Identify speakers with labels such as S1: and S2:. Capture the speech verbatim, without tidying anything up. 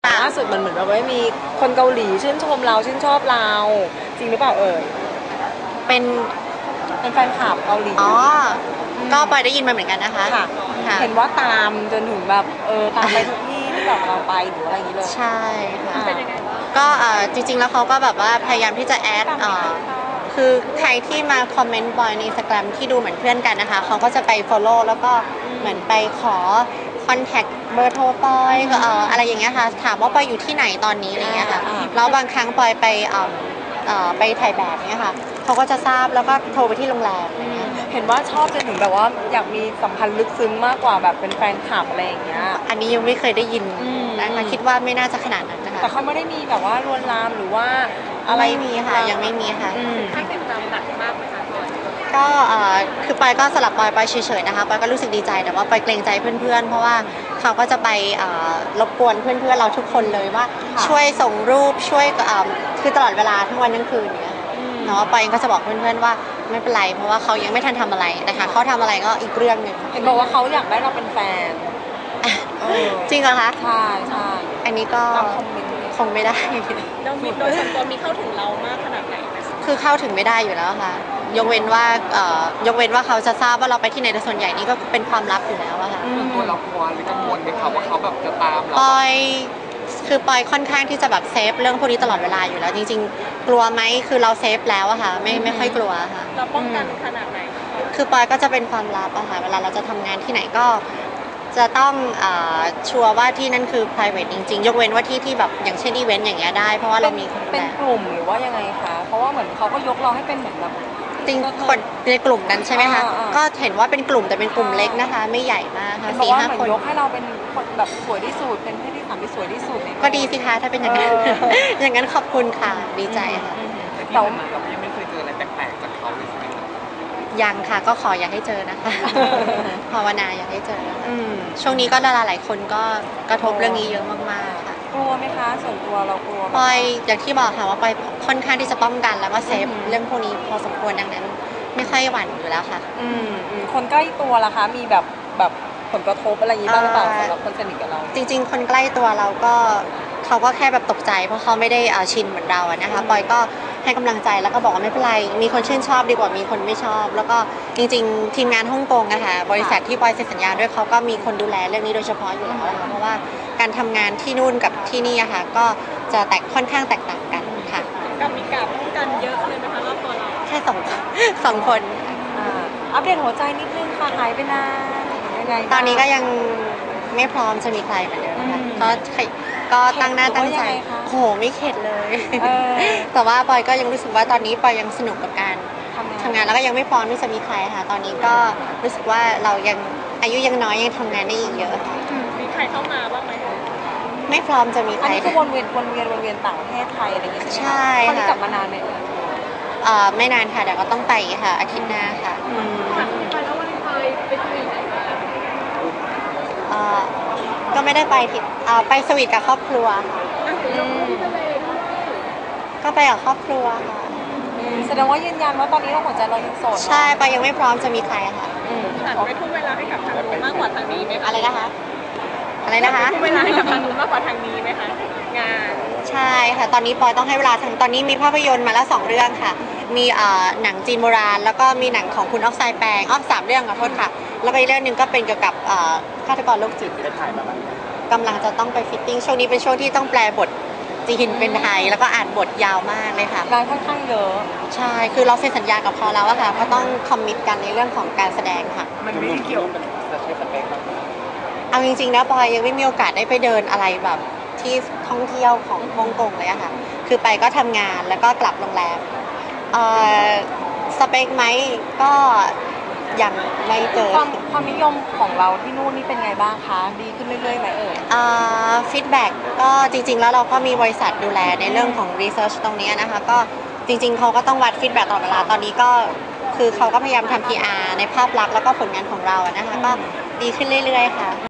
S1: ล่าสุดมันเหมือนแบบว่ามีคนเกาหลีชื่นชมเราชื่นชอบเราจริงหรือเปล่าเอ่ย
S2: เป็น
S1: เป็นแฟนคลับเกาหลี
S2: อ๋อก็ปอยได้ยินมาเหมือนกันนะคะ
S1: ค่ะเห็นว่าตามจนถึงแบบเออตามไปทุกที่ที่แบบเราไปหรืออะไรอย่างนี้เลย
S2: ใช่ค่ะก็จริงๆแล้วเขาก็แบบว่าพยายามที่จะแอดคือใครที่มาคอมเมนต์บอยใน Instagram ที่ดูเหมือนเพื่อนกันนะคะเขาก็จะไป follow แล้วก็เหมือนไปขอคอนแทคเบอร์โทรปอยเอ่ออะไรอย่างเงี้ยค่ะถามว่าปอยอยู่ที่ไหนตอนนี้อะไรเงี้ยค่ะแล้วบางครั้งปอยไปเอ่อไปถ่ายแบบเนี้ยค่ะเขาก็จะทราบแล้วก็โทรไปที่โรงแรมอะไรเงี้ย
S1: เห็นว่าชอบจนถึงแบบว่าอยากมีสัมพันธ์ลึกซึ้งมากกว่าแบบเป็นแฟนคลับอะไรอย่างเงี้ย
S2: อันนี้ยังไม่เคยได้ยินนะคะคิดว่าไม่น่าจะขนาดนั้นนะคะ
S1: แต่เขาไม่ได้มีแบบว่าลวนลามหรือว่า
S2: อะไรมีค่ะยังไม่มีค่ะ
S1: ถ้าติดตามหนักมากไหมคะ
S2: ก็คือปอยก็สลับปอยไปเฉยๆนะคะปอยก็รู้สึกดีใจแต่ว่าปอยเกรงใจเพื่อนๆเพราะว่าเขาก็จะไปรบกวนเพื่อนๆเราทุกคนเลยว่าช่วยส่งรูปช่วยคือตลอดเวลาทั้งวันทั้งคืนเนี่ยเนาะปอยก็จะบอกเพื่อนๆว่าไม่เป็นไรเพราะว่าเขายังไม่ทันทำอะไรนะคะเขาทำอะไรก็อีกเรื่องหนึ่ง
S1: เห็นบอกว่าเขาอยากได้เราเป็นแฟน
S2: จริงเหรอคะ
S1: ใช่ใช่
S2: อันนี้ก็คงไม่ได้
S1: เรามีโดยส่วนตัวมีเข้าถึงเรามากขนาดไหน
S2: คือเข้าถึงไม่ได้อยู่แล้วค่ะยกเว้นว่ายกเว้นว่าเขาจะทราบว่าเราไปที่ไหนแต่ส่วนใหญ่นี่ก็เป็นความลับอยู่แล้วอะค่ะ
S3: ตัวเรากลัวหรือกังวลไหมคะว่าเขาแบบจะตามเรา
S2: ปอยคือปอยค่อนข้างที่จะแบบเซฟเรื่องพวกนี้ตลอดเวลาอยู่แล้วจริงๆกลัวไหมคือเราเซฟแล้วอะค่ะไม่ไม่ค่อยกลัวค่ะ
S1: เราป้องกันขนาดไหน
S2: คือปอยก็จะเป็นความลับอะค่ะเวลาเราจะทำงานที่ไหนก็จะต้องชัวร์ว่าที่นั่นคือ private จริงๆยกเว้นว่าที่ที่แบบอย่างเช่นอีเวนต์อย่างเงี้ยได้เพราะว่าเรามี
S1: เป็นกลุ่มหรือว่ายังไงคะเพราะว่าเหมือนเขาก็ยกเราให้เป็นเหมือนแบบ
S2: จริงคนในกลุ่มนั้นใช่ไหมคะก็เห็นว่าเป็นกลุ่มแต่เป็นกลุ่มเล็กนะคะไม่ใหญ่มากค่ะ
S1: สี่ห้าคนยกให้เราเป็นคนแบบสวยที่สุดเป็นเพศที่สามที่สวยที่สุด
S2: ก็ดีสิคะถ้าเป็นอย่างนั้นอย่างนั้นขอบคุณค่ะดีใจค่ะ
S3: แต่ว่าเรายังไม่เคยเจออะไรแปลกๆจากเขาเลยใช่ไหม
S2: ยังค่ะก็ขออย่าให้เจอนะคะภาวนาอย่าให้เจอช่วงนี้ก็ดาราหลายคนก็กระทบเรื่องนี้เยอะมากๆค่ะ
S1: กลัวไหมคะส่วนตัวเรากลัว
S2: ปอยอย่างที่บอกค่ะว่าปอยค่อนข้างที่จะป้องกันแล้วก็เซฟเรื่องพวกนี้พอสมควรดังนั้นไม่ค่อยหวั่นอยู่แล้วค่ะ
S1: อืมคนใกล้ตัวล่ะคะมีแบบแบบผลกระทบอะไรอย่างนี้บ้างหรือเปล่าสำหรับคนสนิทกับเรา
S2: จริงๆคนใกล้ตัวเราก็เขาก็แค่แบบตกใจเพราะเขาไม่ได้ชินเหมือนเราอะนะคะปอยก็ให้กำลังใจแล้วก็บอกว่าไม่เป็นไรมีคนชื่นชอบดีกว่ามีคนไม่ชอบแล้วก็จริงๆทีมงานฮ่องกงนะคะบริษัทที่ปอยเซ็นสัญญาด้วยเขาก็มีคนดูแลเรื่องนี้โดยเฉพาะอยู่แล้วนะคะเพราะว่าการทำงานที่นู่นกับที่นี่อะค่ะก็จะแตกค่อนข้างแตกต่างกันค่ะ
S1: กับมีการป้องกันเยอะเลยไหมคะรอบตัวเรา
S2: แค่สองสองคน
S1: อัปเดตหัวใจนิดนึงค่ะหายไปนานยังไง
S2: ตอนนี้ก็ยังไม่พร้อมจะมีใครเหมือนเดิมค่ะก็ก็ตั้งหน้าตั้งใจโหไม่เข็ดเลยแต่ว่าปอยก็ยังรู้สึกว่าตอนนี้ปอยยังสนุกกับการทำงานแล้วก็ยังไม่พร้อมที่จะมีใครค่ะตอนนี้ก็รู้สึกว่าเรายังอายุยังน้อยยังทำงานได้อีกเยอะค่ะ
S1: มีใครเข้ามาบ้างไหม
S2: ไม่พร้อมจะมีใคร
S1: อันนี้ก็วนเวียนวนเวียนวนเวียนต่างประเทศไทยอะไรอย่างเงี้ย
S2: ใช่
S1: ค่ะตอนนี้กลับมานานไหม
S2: เอ่อไม่นานค่ะเดี๋ยวก็ต้องไปค่ะอาทิตย์หน้าค่ะ
S1: ไปแล้ววันไปไปสวีทไหนมา
S2: เอ่อก็ไม่ได้ไปที่ไปสวีทกับครอบครัวค่ะก็ไปกับครอบครัวค่ะ
S1: แสดงว่ายืนยันว่าตอนนี้เราหัวใจเรายังโสด
S2: ใช่ไปยังไม่พร้อมจะมีใครค่ะ
S1: หันไปทุ่มเวลาให้กับทางนู้นมากกว่าทางนี้ไหมคะ
S2: อะไรนะคะอะไรนะคะ
S1: ทุ่มเวลาให้กับทางนู้นมากกว่าทางนี้ไหมคะงาน
S2: ใช่ค่ะตอนนี้ปอยต้องให้เวลาทั้งตอนนี้มีภาพยนตร์มาแล้วสองเรื่องค่ะมีหนังจีนโบราณแล้วก็มีหนังของคุณออกไซแปงอ้อมสามเรื่องขอโทษค่ะแล้วก็อีกเรื่องหนึ่งก็เป็นเกี่ยวกับฆาตกรโรคจิต
S3: ได้ถ่ายมาบ้าง
S2: กำลังจะต้องไปฟิตติ้งช่วงนี้เป็นช่วงที่ต้องแปลบทจีนเป็นไทยแล้วก็อ่านบทยาวมากเลยค่ะ
S1: งานค่อนข้างเยอะ
S2: ใช่คือเราเซ็นสัญญากับเขาแล้วอะค่ะก็ต้องคอมมิตกันในเรื่องของการแสดงค่ะ
S3: มันไม่ได้เกี่ยวกับจะใช้สเปคบ้าง
S2: เอาจริงๆนะปอยยังไม่มีโอกาสได้ไปเดินอะไรแบบที่ท่องเที่ยวของฮ่องกงเลยอะค่ะคือไปก็ทำงานแล้วก็กลับโรงแรมสเปคไหมก็ยังไม่เจอ
S1: ความความนิยมของเราที่นู่นนี่เป็นไงบ้างคะดีขึ้นเรื่อยๆไหมเอ่ย
S2: ฟีดแบ็กก็จริงๆแล้วเราก็มีบริษัทดูแลในเรื่องของรีเสิร์ชตรงนี้นะคะก็จริงๆเขาก็ต้องวัดฟีดแบ็กตลอดเวลาตอนนี้ก็คือเขาก็พยายามทำ พี อาร์ ในภาพลักษณ์แล้วก็ผลงานของเราอะนะคะก็ดีขึ้นเรื่อยๆค่ะ